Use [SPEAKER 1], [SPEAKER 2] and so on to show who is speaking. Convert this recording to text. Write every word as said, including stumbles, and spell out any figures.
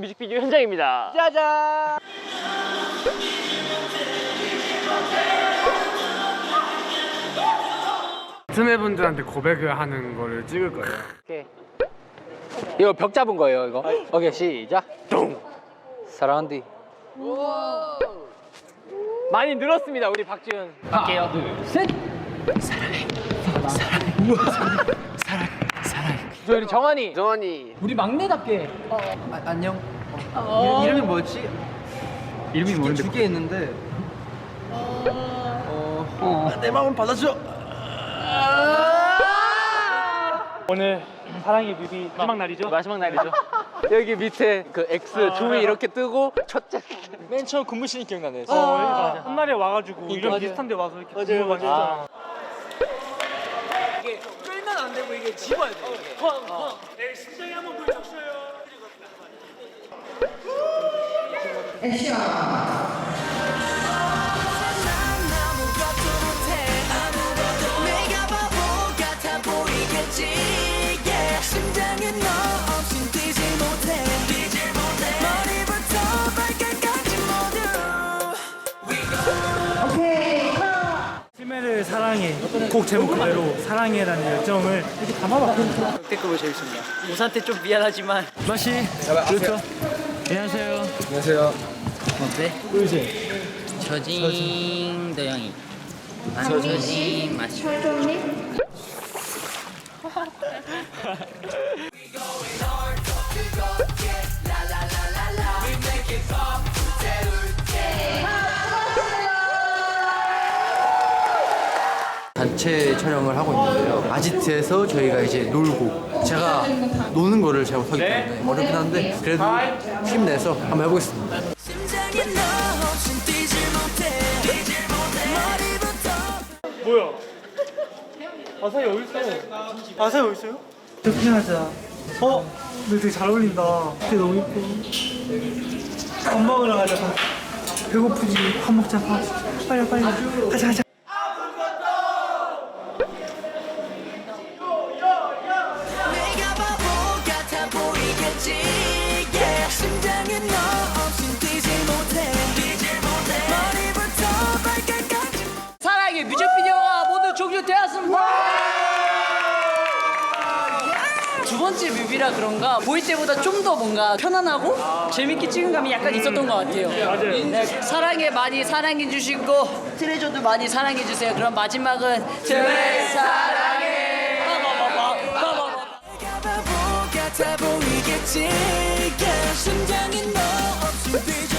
[SPEAKER 1] 뮤직비디오 현장입니다. 짜잔.
[SPEAKER 2] 스매분들한테 고백을 하는 거를 찍을 거예요.
[SPEAKER 1] 오케이. 이거 벽 잡은 거예요, 이거. 오케이, 시작. 동. 사랑한디. 많이 늘었습니다, 우리 박지훈. 할게요. 하나, 둘, 셋. 사랑해. 사랑해. 사랑해. 사랑해. 저희 정환이. 정환이.
[SPEAKER 3] 우리 막내답게.
[SPEAKER 4] 어, 아, 안녕. 어. 이름, 이름이 뭐였지?
[SPEAKER 2] 이름이 모르는데
[SPEAKER 4] 두 개 있는데. 어. 어. 내 마음을 받아줘.
[SPEAKER 5] 오늘 사랑의 뮤비 마지막 날이죠?
[SPEAKER 1] 마지막 날이죠. 여기 밑에 그 X 조이 이렇게 뜨고 첫째.
[SPEAKER 4] 맨 처음 근무신이 기억나네.
[SPEAKER 5] 어, 맞아. 한날에 와가지고 이런
[SPEAKER 1] 맞아요.
[SPEAKER 5] 비슷한 데 와서 이렇게
[SPEAKER 1] 맞아요, 맞아요.
[SPEAKER 5] 아.
[SPEAKER 3] 이게 끌면 안 되고 이게 집어야 돼. 이게.
[SPEAKER 5] 어. 네, 심장이 한번 불쳤어요.
[SPEAKER 6] 심장은 너 없인 뛰지 못해 뛰지 못해 머리부터 발끝까지 모두 오케이
[SPEAKER 5] 스멜을 사랑해 곡 제목 그대로 사랑해라는 열정을 이렇게 담아봤거든요.
[SPEAKER 3] 댓글로 재밌습니다. 우산테 좀 미안하지만
[SPEAKER 5] 맛이 그렇죠. 안녕하세요.
[SPEAKER 4] 안녕하세요.
[SPEAKER 3] 어때? 저징 더영이. 저징 맛이.
[SPEAKER 4] 단체 촬영을 하고 있는데요. 아지트에서 저희가 이제 놀고 제가 노는 거를 잘 못하기 때문에 어렵긴 한데 그래도 힘내서 한번 해보겠습니다.
[SPEAKER 6] 심장이 너 없인 뛰지 못해 뛰지 못해 머리부터
[SPEAKER 5] 뭐야? 아사히 어디 있어? 아사히 어디 있어요? 이렇게 하자. 어? 너 되게 잘 어울린다. 되게 너무 예뻐. 밥 먹으러 가자. 밥. 배고프지? 밥 먹자. 밥. 빨리 빨리. 가자 가자.
[SPEAKER 6] 내가 바보 같아 보이겠지 yeah. 심장은 너 없인 뛰지 못해 뛰지 못해 머리부터 발끝까지
[SPEAKER 3] 사랑의 뮤직비디오가 모두 종료되었습니다. 두 번째 뮤비라 그런가 보일 때보다 좀 더 뭔가 편안하고 재밌게 찍은 감이 약간 있었던 것 같아요.
[SPEAKER 5] 맞아요.
[SPEAKER 3] 네, 사랑해 많이 사랑해 주시고 트레저도 많이 사랑해 주세요. 그럼 마지막은 트레 사랑해. 빠바바바, 빠바바.
[SPEAKER 6] 내가 바보 같아 보이겠지 yeah. 심장이 너 없인 뛰지